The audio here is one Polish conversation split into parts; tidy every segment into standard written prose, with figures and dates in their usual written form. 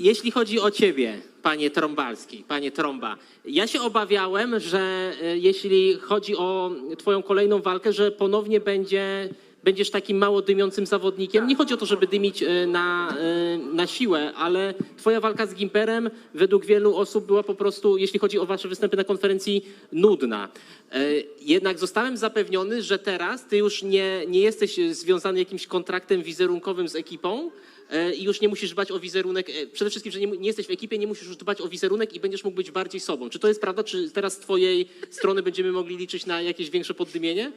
jeśli chodzi o ciebie, panie Trąbalski, panie Trąba, ja się obawiałem, że jeśli chodzi o twoją kolejną walkę, że ponownie będziesz takim mało dymiącym zawodnikiem. Nie chodzi o to, żeby dymić na siłę, ale twoja walka z Gimperem według wielu osób była po prostu, jeśli chodzi o wasze występy na konferencji, nudna. Jednak zostałem zapewniony, że teraz ty już nie jesteś związany jakimś kontraktem wizerunkowym z ekipą, i już nie musisz dbać o wizerunek, przede wszystkim, że nie jesteś w ekipie, nie musisz już dbać o wizerunek i będziesz mógł być bardziej sobą. Czy to jest prawda? Czy teraz z twojej strony będziemy mogli liczyć na jakieś większe poddymienie?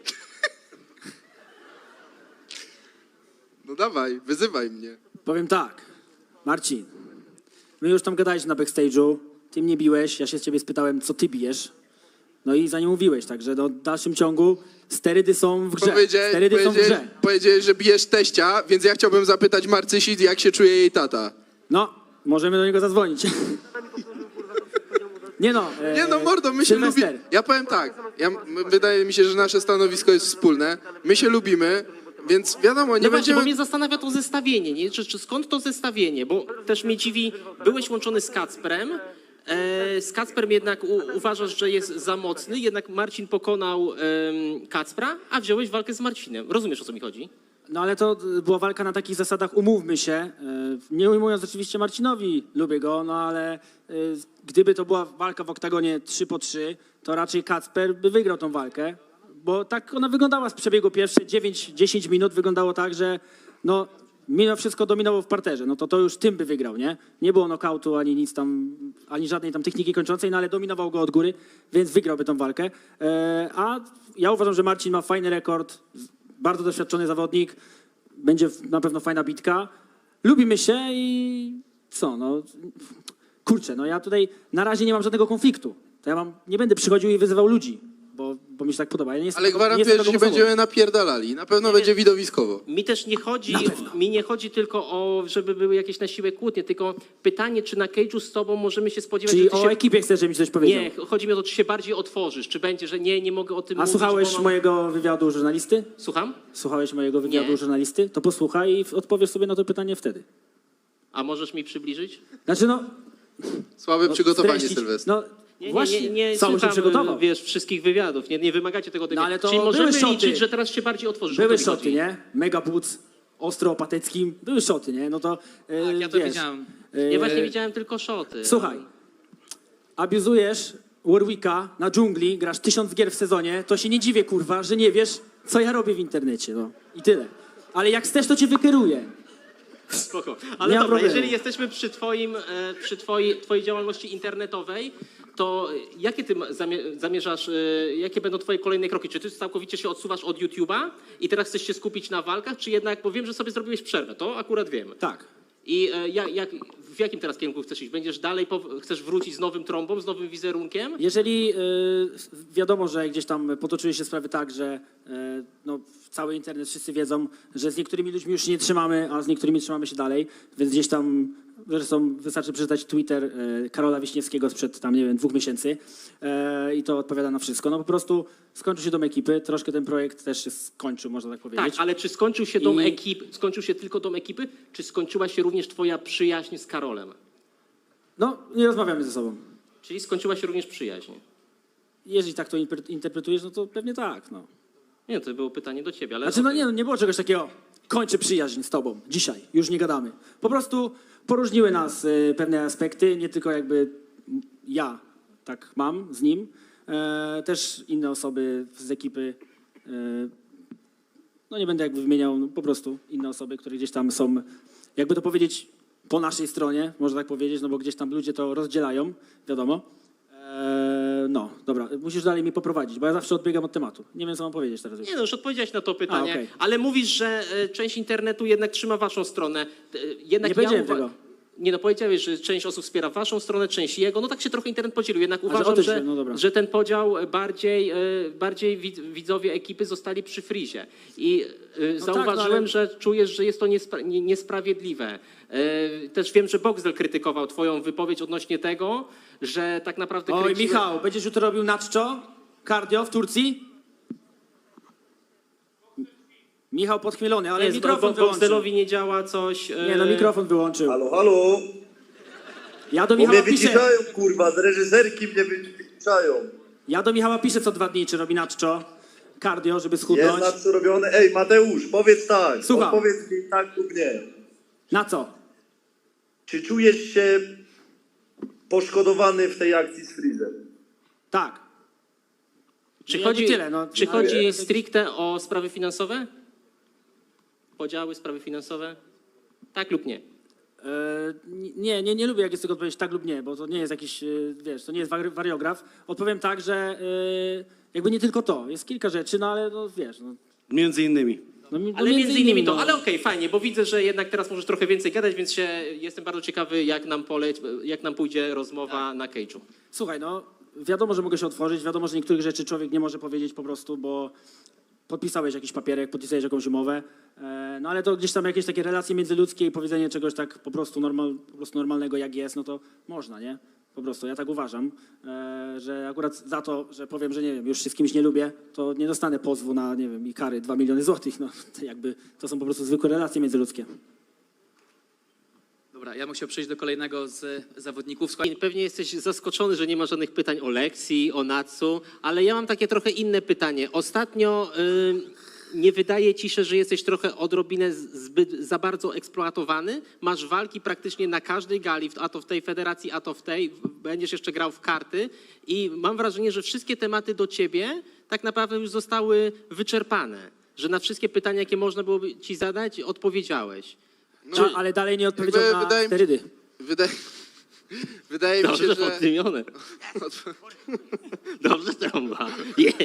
No dawaj, wyzywaj mnie. Powiem tak, Marcin, my już tam gadaliśmy na backstage'u, ty mnie biłeś, ja się z ciebie spytałem, co ty bijesz, no i za nie mówiłeś, także no, w dalszym ciągu sterydy są w grze. Sterydy są w grze. Powiedziałeś, że bijesz teścia, więc ja chciałbym zapytać Marcysi, jak się czuje jej tata. No, możemy do niego zadzwonić. Nie no, Nie no, mordo, my się Sylwester. lubimy. Ja powiem tak, wydaje mi się, że nasze stanowisko jest wspólne, my się lubimy, więc wiadomo, nie No właśnie, będziemy... bo mnie zastanawia to zestawienie, nie? Czy skąd to zestawienie? Bo też mnie dziwi, byłeś łączony z Kacprem, z Kacprem jednak uważasz, że jest za mocny, jednak Marcin pokonał Kacpra, a wziąłeś walkę z Marcinem. Rozumiesz, o co mi chodzi? No ale to była walka na takich zasadach, umówmy się, nie ujmując oczywiście Marcinowi, lubię go, no ale gdyby to była walka w oktagonie 3-3, to raczej Kacper by wygrał tą walkę, bo tak ona wyglądała z przebiegu pierwsze 9-10 minut, wyglądało tak, że no mimo wszystko dominował w parterze, no to już tym by wygrał, nie? Nie było nokautu ani nic tam, ani żadnej tam techniki kończącej, no ale dominował go od góry, więc wygrałby tą walkę, a ja uważam, że Marcin ma fajny rekord, bardzo doświadczony zawodnik, będzie na pewno fajna bitka. Lubimy się i co, no kurczę, no ja tutaj na razie nie mam żadnego konfliktu. To ja nie będę przychodził i wyzywał ludzi, bo mi się tak podoba. Ja nie jestem Ale tego- nie gwarantuję, jestem że się tego osobą. będziemy napierdalali. Na pewno będzie widowiskowo. Mi też nie chodzi, Na pewno. mi nie chodzi tylko o, żeby były jakieś na siłę kłótnie, tylko pytanie, czy na cage'u z tobą możemy się spodziewać, Czyli że ty o się... ekipie chcesz, żebyś coś powiedział. Nie, chodzi mi o to, czy się bardziej otworzysz, czy będzie, że nie mogę o tym A mówić. słuchałeś bo mam- mojego wywiadu żurnalisty? Słucham? Słuchałeś mojego wywiadu Nie. żurnalisty? To posłuchaj i odpowiesz sobie na to pytanie wtedy. A możesz mi przybliżyć? Znaczy no... Słabe no, przygotowanie, streścić- Sylwester. No właśnie, nie cały się słucham, przygotował. wiesz, wszystkich wywiadów, nie wymagacie tego. No, ale to Czyli były możemy szoty. liczyć, że teraz się bardziej otworzysz. o Były to mi szoty, chodzi. nie? Mega Boots, ostro opateckim, były szoty, nie? No to Tak, ja to wiesz, widziałem. Ja właśnie widziałem tylko szoty. Słuchaj, abuzujesz Warwicka na dżungli, grasz 1000 gier w sezonie, to się nie dziwię, kurwa, że nie wiesz, co ja robię w internecie, no. I tyle. Ale jak chcesz, to cię wykieruję. Spoko. Nie Ale ma dobra, problemu. jeżeli jesteśmy przy twojej działalności internetowej, to jakie ty zamierzasz, jakie będą twoje kolejne kroki? Czy ty całkowicie się odsuwasz od YouTube'a i teraz chcesz się skupić na walkach, czy jednak, bo wiem, że sobie zrobiłeś przerwę, to akurat wiem. Tak. I w jakim teraz kierunku chcesz iść? Będziesz dalej, chcesz wrócić z nowym trąbą, z nowym wizerunkiem? Jeżeli wiadomo, że gdzieś tam potoczyły się sprawy tak, że no, cały internet wszyscy wiedzą, że z niektórymi ludźmi już się nie trzymamy, a z niektórymi trzymamy się dalej, więc gdzieś tam, zresztą wystarczy przeczytać Twitter Karola Wiśniewskiego sprzed tam, nie wiem, 2 miesięcy i to odpowiada na wszystko. No po prostu skończył się dom ekipy, troszkę ten projekt też się skończył, można tak powiedzieć. Tak, ale czy skończył się tylko dom ekipy, czy skończyła się również twoja przyjaźń z Karolem? No, nie rozmawiamy ze sobą. Czyli skończyła się również przyjaźń. Jeżeli tak to interpretujesz, no to pewnie tak, no. Nie, to było pytanie do ciebie, ale... Znaczy, no nie, no nie było czegoś takiego, kończę przyjaźń z tobą dzisiaj, już nie gadamy. Po prostu poróżniły nas pewne aspekty, nie tylko jakby ja tak mam z nim, też inne osoby z ekipy, no nie będę jakby wymieniał, no po prostu inne osoby, które gdzieś tam są, jakby to powiedzieć, po naszej stronie, można tak powiedzieć, no bo gdzieś tam ludzie to rozdzielają, wiadomo. No, dobra, musisz dalej mi poprowadzić, bo ja zawsze odbiegam od tematu. Nie wiem, co mam powiedzieć teraz. Nie no, już odpowiedziałeś na to pytanie, okej. ale mówisz, że część internetu jednak trzyma waszą stronę. Jednak Nie powiedziałem tego. Nie no, powiedziałeś, że część osób wspiera waszą stronę, część jego. No tak się trochę internet podzielił. Jednak że o uważam, tym że, się- no dobra. że ten podział bardziej widzowie ekipy zostali przy frizie. I zauważyłem, no ale- że czujesz, że jest to niesprawiedliwe. Też wiem, że Boxdel krytykował twoją wypowiedź odnośnie tego, że tak naprawdę... Oj, Michał, będziesz jutro robił naczczo? Cardio w Turcji? Michał podchmielony, ale Nie, mikrofon wyłączył. Boxdelowi nie działa coś... Nie, no mikrofon wyłączył. Halo, halo. Ja do Bo mnie Michała piszę, wyciszają, kurwa, z reżyserki mnie wyciszają. ja do Michała piszę co 2 dni, czy robi naczczo, cardio, żeby Jest schudnąć. na co robione. Ej, Mateusz, powiedz tak. Słucham. Odpowiedz mi tak lub nie. Na co? Czy czujesz się poszkodowany w tej akcji z Freezem? Tak. Czy Jakby chodzi, tyle, no. czy Ale- chodzi stricte o sprawy finansowe? Podziały, sprawy finansowe? Tak lub nie? Nie lubię, jak jest tylko odpowiedź tak lub nie, bo to nie jest jakiś, wiesz, to nie jest wariograf. Odpowiem tak, że jakby nie tylko to, jest kilka rzeczy, no ale no wiesz, no. Między innymi. Ale między innymi to, no. ale okej, fajnie, bo widzę, że jednak teraz możesz trochę więcej gadać, więc jestem bardzo ciekawy, jak nam pójdzie rozmowa na Cage'u. Słuchaj, no wiadomo, że mogę się otworzyć, wiadomo, że niektórych rzeczy człowiek nie może powiedzieć po prostu, bo podpisałeś jakiś papierek, podpisałeś jakąś umowę, no ale to gdzieś tam jakieś takie relacje międzyludzkie i powiedzenie czegoś tak po prostu normalnego jak jest, no to można, nie? Po prostu, ja tak uważam, że akurat za to, że powiem, że nie wiem, już się z kimś nie lubię, to nie dostanę pozwu na, nie wiem, i kary 2 miliony złotych, no to jakby to są po prostu zwykłe relacje międzyludzkie. Dobra, ja bym chciał przejść do kolejnego z zawodników. Słuchaj, Pewnie jesteś zaskoczony, że nie ma żadnych pytań o Lexi, o Natsu, ale ja mam takie trochę inne pytanie. Ostatnio nie wydaje ci się, że jesteś trochę odrobinę za bardzo eksploatowany? Masz walki praktycznie na każdej gali, a to w tej federacji, a to w tej. Będziesz jeszcze grał w karty i mam wrażenie, że wszystkie tematy do ciebie tak naprawdę już zostały wyczerpane. Że na wszystkie pytania, jakie można byłoby ci zadać, odpowiedziałeś. No, ale dalej nie odpowiedział jakby na wydaje mi- sterydy. Wydaje mi się, Dobrze że... poddymione. Dobrze trąba. Yeah.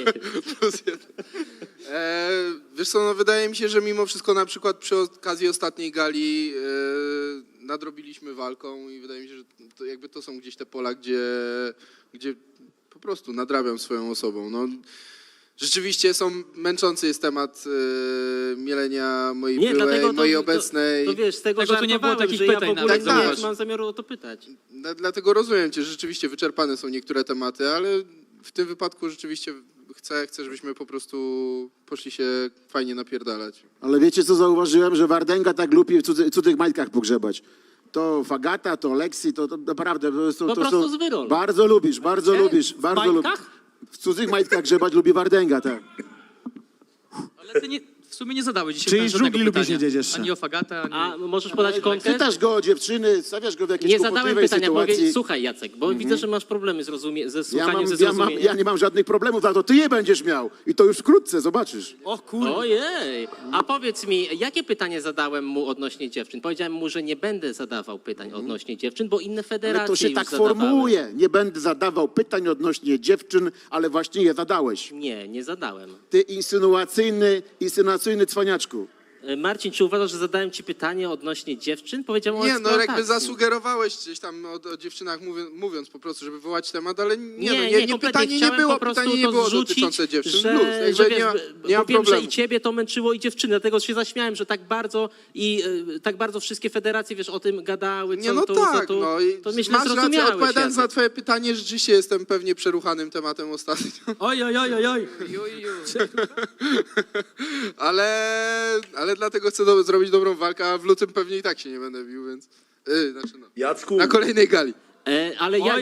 Wiesz co, no wydaje mi się, że mimo wszystko na przykład przy okazji ostatniej gali nadrobiliśmy walką i wydaje mi się, że to jakby to są gdzieś te pola, gdzie po prostu nadrabiam swoją osobą. No, rzeczywiście męczący jest temat mielenia mojej Nie, byłej, dlatego mojej to obecnej. To wiesz, z tego Tego tu nie było żartowałem, takich że ja w pytań ogóle nawet, nie zobacz. mam zamiaru o to pytać. Dlatego rozumiem cię, że rzeczywiście wyczerpane są niektóre tematy, ale w tym wypadku rzeczywiście chcę, żebyśmy po prostu poszli się fajnie napierdalać. Ale wiecie, co zauważyłem? Że Wardęga tak lubi w cudzych majtkach pogrzebać. To Fagata, to Lexi, to naprawdę... Po prostu z wyrol. Bardzo lubisz, bardzo lubisz. W Bardzo majtkach? W cudzych majtkach grzebać lubi Wardęga, tak. ale ty w sumie nie zadałeś dzisiaj Czyli żadnego żugli lubisz pytania. wiedzieć jeszcze. Ani o Fagata, ani... A możesz podać kontekst? Pytasz go o dziewczyny, stawiasz go w jakiejś Nie zadałem kłopotliwej pytania, sytuacji. słuchaj Jacek, bo widzę, że masz problemy ze Ja, słuchaniem, ze zrozumieniem. ja nie mam żadnych problemów, za to ty je będziesz miał. I to już wkrótce, zobaczysz. O kurde. Ojej, a powiedz mi, jakie pytanie zadałem mu odnośnie dziewczyn? Powiedziałem mu, że nie będę zadawał pytań odnośnie dziewczyn, bo inne federacje Ale to się już tak zadawały. formułuje. Nie będę zadawał pytań odnośnie dziewczyn, ale właśnie je zadałeś. Nie zadałem. Ty insynuacyjny cwaniaczku. Marcin, czy uważasz, że zadałem ci pytanie odnośnie dziewczyn? Powiedziałem o Nie, no jakby eksploatacji. zasugerowałeś gdzieś tam o dziewczynach mówiąc po prostu, żeby wywołać temat, ale Nie, kompletnie. pytanie nie Chciałem było, po prostu pytanie nie to było zrzucić, dotyczące dziewczyn. że, Luz, jakby że wiesz, nie ma bo wiem, problemu. że i ciebie to męczyło i dziewczyny, dlatego się zaśmiałem, że tak bardzo tak bardzo wszystkie federacje, wiesz, o tym gadały, co Nie, no tu, tak, co tu. no i To myślę, masz rację, zrozumiałeś, odpowiadając na Jacek. twoje pytanie, rzeczywiście jestem pewnie przeruchanym tematem ostatnio, Oj. ale dlatego chcę zrobić dobrą walkę, a w lutym pewnie i tak się nie będę bił, więc... Znaczy no, Jacku, na kolejnej gali. Ale ja,